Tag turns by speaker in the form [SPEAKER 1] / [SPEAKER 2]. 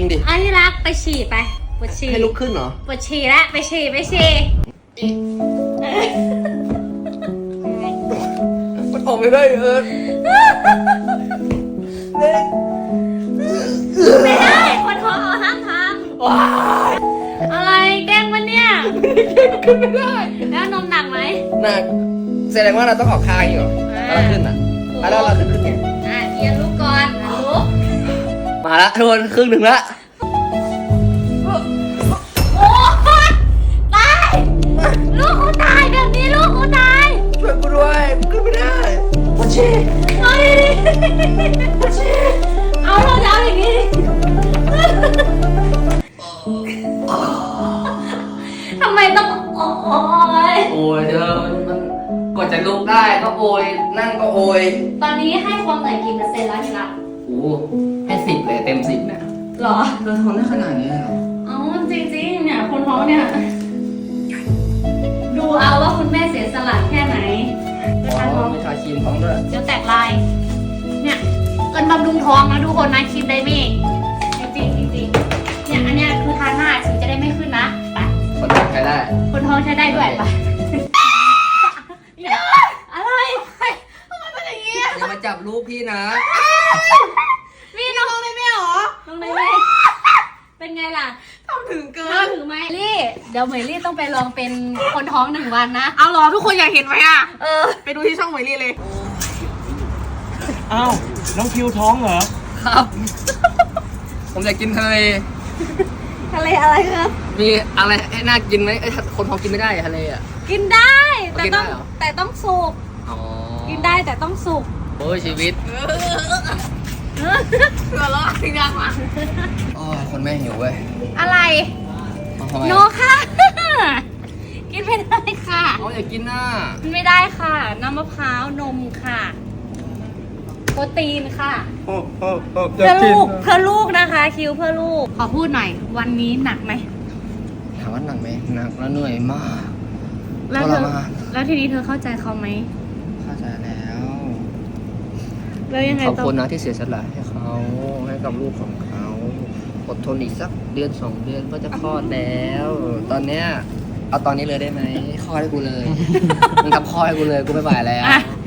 [SPEAKER 1] ริงดิ
[SPEAKER 2] อันที่รักไปฉี่ไปปวดฉี่
[SPEAKER 1] ให้ลุกขึ้นเหรอ
[SPEAKER 2] ปวดฉี่แล้วไปฉี่ไปฉี่
[SPEAKER 1] มันออกไม่ได้
[SPEAKER 2] ไม่ได้คนท้องเอาห้ามท
[SPEAKER 1] ว้าย
[SPEAKER 2] ำอะไรแกล้งมันเนี่ย
[SPEAKER 1] ขึ้นไม่ได้
[SPEAKER 2] แล้วนมหนักไหม
[SPEAKER 1] หนักแสดงว่าเราต้องออกคางอยู่แล้วเราขึ้นอ่ะแล้วเราขึ้นไง
[SPEAKER 2] เอียนลูกก่อนลูก
[SPEAKER 1] มาละทุกคนครึ่งหนึ่งละ
[SPEAKER 2] โอ้ยตายลูกเขาตายแบบนี้ลูกเขาตาย
[SPEAKER 1] ช่วยกูด้วยขึ้นไม่ได้ปวดฉี่
[SPEAKER 2] เอาดิเอาเราจะเอาอย่างนี้ทำไมต้องโอ้ย
[SPEAKER 1] โอ้ยเธอมันกว่าจะลุกได้ก็โอยนั่งก็โอย
[SPEAKER 2] ตอนนี้ให้ความเหนื่อยกี่เปอร์เซ็นต์แล้วทีละ
[SPEAKER 1] โอ้ให้10เลยเต็ม10เนี่ย
[SPEAKER 2] หรอ
[SPEAKER 1] เธอทำได้ขนาดนี้เหรอ
[SPEAKER 2] เอาจริงๆเนี่ยคนท้องเนี่ย ดูเอาว่าคุณแม่เสียสละแค่ไหนในการท้อง
[SPEAKER 1] มีชาครีมท้องด้วย
[SPEAKER 2] เดี๋ยวแตกลาย เนี่ยเกินบำรุงท้องนะทุกคนนะครีมไดเม่จริงๆเนี่ยอันเนี้ยคือทานหน้าถึงจะได้ไม่ขึ้นนะไป
[SPEAKER 1] คนท้องใช้ได้
[SPEAKER 2] คนท้องใช้ได้ด้วยไปอะไรทำไมเป็นอย่างนี้
[SPEAKER 1] อย่ามาจับลูกพี่นะ
[SPEAKER 2] พี่น้องได้ไหมหรอน้องได้ไหมเป็นไงล่ะ
[SPEAKER 3] ทำถึงเกิ
[SPEAKER 2] ถ้าน ถึงไหมลี่เดี๋ยวเหมยลี่ต้องไปลองเป็นคนท้อง1 วันนะ
[SPEAKER 3] เอาเหรอทุกคนอยากเห็นไหมอ่ะ ไปดูที่ช่องหมวยลี่เลย
[SPEAKER 4] อ้าว น้องคิวท้องเหรอ
[SPEAKER 1] ครับ ผมอยากกินทะเล
[SPEAKER 2] ทะเลอะไรครับ
[SPEAKER 1] มีอะไรให้น่ากินไหมเอ้ยคนท้องกินไม่ได้ทะเลอ่ะ
[SPEAKER 2] กินได้แต่
[SPEAKER 1] กินได้
[SPEAKER 2] ต้อง
[SPEAKER 1] เหรอ
[SPEAKER 2] แต่ต้องสุก
[SPEAKER 1] อ๋อ
[SPEAKER 2] กินได้แต่ต้องสุก
[SPEAKER 1] โอ้ยชีวิต
[SPEAKER 3] หัวเราะจริงจังว่ะ
[SPEAKER 1] โอ้ยคนแม่หิวเว้ย
[SPEAKER 2] อะไร
[SPEAKER 1] เอาทำไม
[SPEAKER 2] โนค่ะ กินไม่ได้ค่ะ
[SPEAKER 1] เขาอยากกินน่ะ
[SPEAKER 2] กินไม่ได้ค่ะน้ำมะพร้าวนมค่ะ โปรตีนค่ะ เพื่อลูกนะคะ คิวเพื่อลูก ขอพูดหน่อย วันนี้หนักไหม
[SPEAKER 1] ถามว่าหนักไหมหนักแล้วเหนื่อยมาก
[SPEAKER 2] แล้วเธอ
[SPEAKER 1] ทรมาน
[SPEAKER 2] แล้วทีนี้เธอเข้าใจเขาไหม
[SPEAKER 1] เข้าใจแล้ว
[SPEAKER 2] แล้วยังไง
[SPEAKER 1] ขอบ
[SPEAKER 2] ต่อ
[SPEAKER 1] คุณนะที่เสียสละให้เขาให้กับลูกของเขาอดทนอีกสักเดือน2 เดือนก็จะคลอดแล้ว ตอนเนี้ยเอาตอนนี้เลยได้ไหมคลอดให้กูเลย มึงทำคลอดให้กูเลยกูไม่ไหวแล้ว
[SPEAKER 2] อ่ะ